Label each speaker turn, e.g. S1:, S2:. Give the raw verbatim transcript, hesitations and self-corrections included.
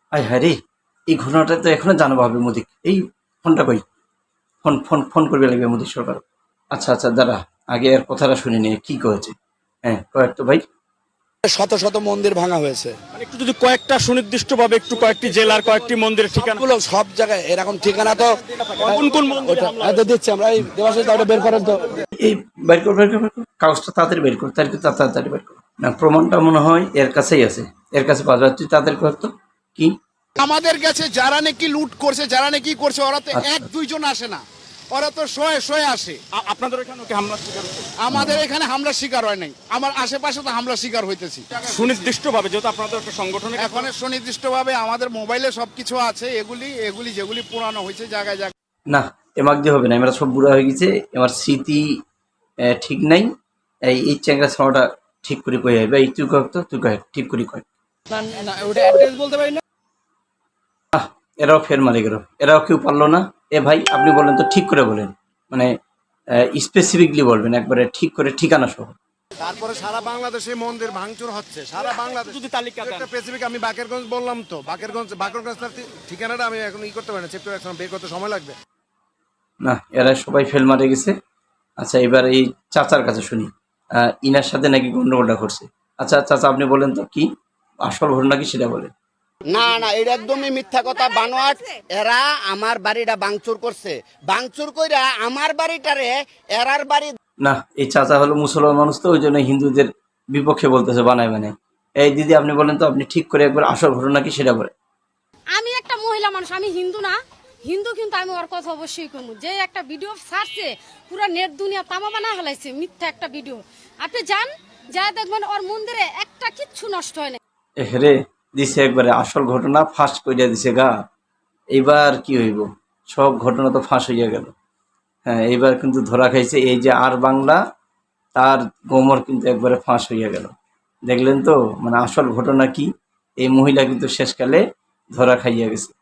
S1: আয় হ্যাঁ রে, এই ঘটনাটা তো এখনো জানাবো হবে মোদিক। এই ফোনটা কই, ফোন ফোন ফোন করবে লাগবে মোদী সরকার। আচ্ছা আচ্ছা দাঁড়া, আগে এর কথাটা শুনে নিয়ে কি কয়েছে। হ্যাঁ কয়েক তো ভাই।
S2: শত শত মন্দির ভাঙা হয়েছে,
S3: মানে একটু যদি কয়েকটা সুনির্দিষ্ট ভাবে একটু কয়েকটি জেলার কয়েকটি মন্দিরের ঠিকানা
S2: সবগুলো সব জায়গায় এরকম ঠিকানা তো
S3: কোন কোন মন্দিরে
S2: ওটা
S3: হামলা
S2: এই তো দিচ্ছি আমরা। এই দেবাশিস দা ওটা বের করেন তো।
S1: এই বের কর বের কর বের কর। কাগজটা তাড়াতাড়ি বের কর, তাড়াতাড়ি তাড়াতাড়ি বের কর। না প্রমাণটা মনে হয় এর কাছেই আছে, এর কাছে পাওয়া যায়। তুই তাড়াতাড়ি কর তো কি।
S4: আমাদের কাছে যারা নাকি লুট করছে, যারা নাকি করছে, ওরা তো
S1: আচ্ছা।
S4: এক দুইজন আসে না, ওরা তো শয়ে শয়ে আসে।
S3: আ- আপনাদের এখানে কি হামলা শিকার হয়েছে?
S4: আমাদের এখানে হামলা শিকার হয় নাই, আমার আশেপাশে তো হামলা শিকার হইতেছি।
S3: সুনির্দিষ্ট ভাবে যেহেতু আপনাদের একটা সংগঠনে
S4: এখন সুনির্দিষ্ট ভাবে আমাদের মোবাইলে সবকিছু আছে, এগুলি এগুলি যেগুলি পুরানো হয়েছে জায়গায় জায়গায়।
S1: না এমাক দিয়ে হবে না, এরা সব বুড়া হয়ে গেছে, আমার স্মৃতি আহ, ঠিক নাই। এই এই চ্যাংরা ছাওয়াটা ঠিক করে কয়ে যাবে। এই তুই কয়েক তো তুই কয়েক ঠিক করে কয়েক।
S2: ওটা অ্যাড্রেস বলতে পারি না।
S1: আহ এরাও ফের মারে গেল, এরাও কেউ পারলো না। এ ভাই আপনি বলেন তো, ঠিক করে বলেন, মানে স্পেসিফিকলি বলবেন, একবারে ঠিক করে ঠিকানা সহ।
S5: তারপরে সারা বাংলাদেশে মন্দির ভাঙচুর হচ্ছে, সারা বাংলাদেশ।
S3: যদি তালিকা দেন।
S5: একটা স্পেসিফিক আমি বাকেরগঞ্জ বললাম তো, বাকেরগঞ্জ বাকেরগঞ্জ তার ঠিকানাটা আমি এখন ই করতে পারি না, চেপ্টার এখন বের করতে সময় লাগবে।
S1: না এরা সবাই ফেল মারে গেছে। আচ্ছা এবার এই চাচার কাছে শুনি, আহ, ইনার সাথে নাকি গন্ডগোলটা করছে। আচ্ছা চাচা আপনি বলেন তো কি আসল ঘটনা কি সেটা বলেন।
S2: না না, এটা একদমই মিথ্যা কথা, বানোয়াট। এরা আমার বাড়িটা ভাঙচুর করছে, ভাঙচুর কইরা আমার বাড়িটারে এরার বাড়ি।
S1: না এই চাচা হলো মুসলমান মানুষ, তো ওই জন্য হিন্দুদের বিপক্ষে বলতেছে বানায় বানায়। এই দিদি আপনি বলেন তো, আপনি ঠিক করে একবার আসল ঘটনা কি সেটা বলেন।
S6: আমি একটা মহিলা মানুষ, আমি হিন্দু না, হিন্দু কিন্তু আমি ওর কথা অবশ্যই করবো। যে একটা ভিডিও ছাড়ছে, পুরো নেট দুনিয়া তামা বানা হলাইছে, মিথ্যা একটা ভিডিও। আপনি যান, যা দেখবেন ওর মন্দিরে একটা কিচ্ছু নষ্ট হয় না।
S1: এ হেরে দিছে একবারে আসল ঘটনা ফাঁস করিয়া দিছে গা। এইবার কি হইব, সব ঘটনা তো ফাঁস হইয়া গেল। হ্যাঁ এইবার কিন্তু ধরা খাইছে, এই যে আর বাংলা, তার গোমর কিন্তু একবারে ফাঁস হইয়া গেল। দেখলেন তো, মানে আসল ঘটনা কি, এই মহিলা কিন্তু শেষকালে ধরা খাইয়া গেছে।